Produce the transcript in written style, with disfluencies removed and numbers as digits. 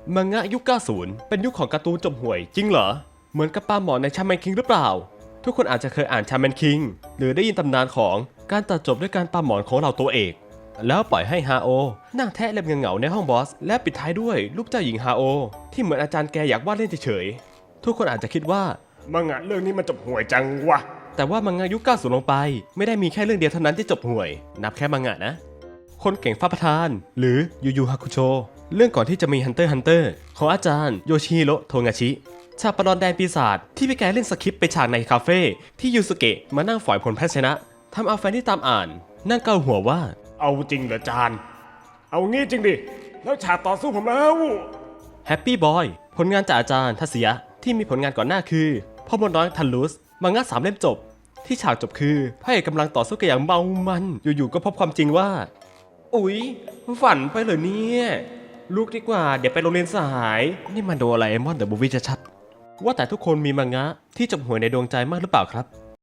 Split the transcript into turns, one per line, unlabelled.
มังงะยุค 90 เป็นยุคของการ์ตูนจบห่วยจริงเหรอเหมือนกับปลาหมอในชาแมนคิงหรือเปล่าทุกคนอาจจะเคยอ่านชาแมนคิงหรือได้ยินตำนานของการตัดจบด้วยการปลาหมอนของเราตัวเอกแล้วปล่อยให้ฮาโอนั่งแทะเล็บเหงาๆในห้องบอสและปิดท้ายด้วยรูปเจ้าหญิงฮาโอที่เหมือนอาจารย์แกอยากวาดเล่นเฉยๆทุกคนอาจจะคิดว่ามังงะเรื่องนี้มันจบห่วยจังวะแต่ว่ามังงะยุค 90 ลงไปไม่ได้มีแค่เรื่องเดียวเท่านั้นที่จบห่วยนับแค่มังงะนะคนเก่งฟ้าประธานหรือยูยูฮาคุโชเรื่องก่อนที่จะมี Hunter x Hunter ของอาจารย์โยชิฮิโร่โทงาชิฉากประลองแดนปีศาจที่พี่แกเล่นสคริปต์ไปฉากในคาเฟ่ที่ยูสุเกะมานั่งฝอยผลแพ้ชนะทำเอาแฟนที่ตามอ่านนั่งเกาหัวว่าเอาจริงเหรอจานเอางี้จริงดิแล้วฉากต่อสู้ผมแล้วแฮปปี้บอยผลงานจากอาจารย์ทัศยะที่มีผลงานก่อนหน้าคือพ่อมดน้อยทันลุสมังงะ3 เล่มจบที่ฉากจบคือพระเอกกำลังต่อสู้กันอย่างเมามันอยู่ๆก็พบความจริงว่าอุ๊ยฝันไปเหรอเนี่ยลูกดีกว่าเดี๋ยวไปโรงเรียนสายนี่มันโดอะไรมอนเดอะมูฟวี่ชัดๆว่าแต่ทุกคนมีมังงะที่จบห่วยในดวงใจมากหรือเปล่าครับ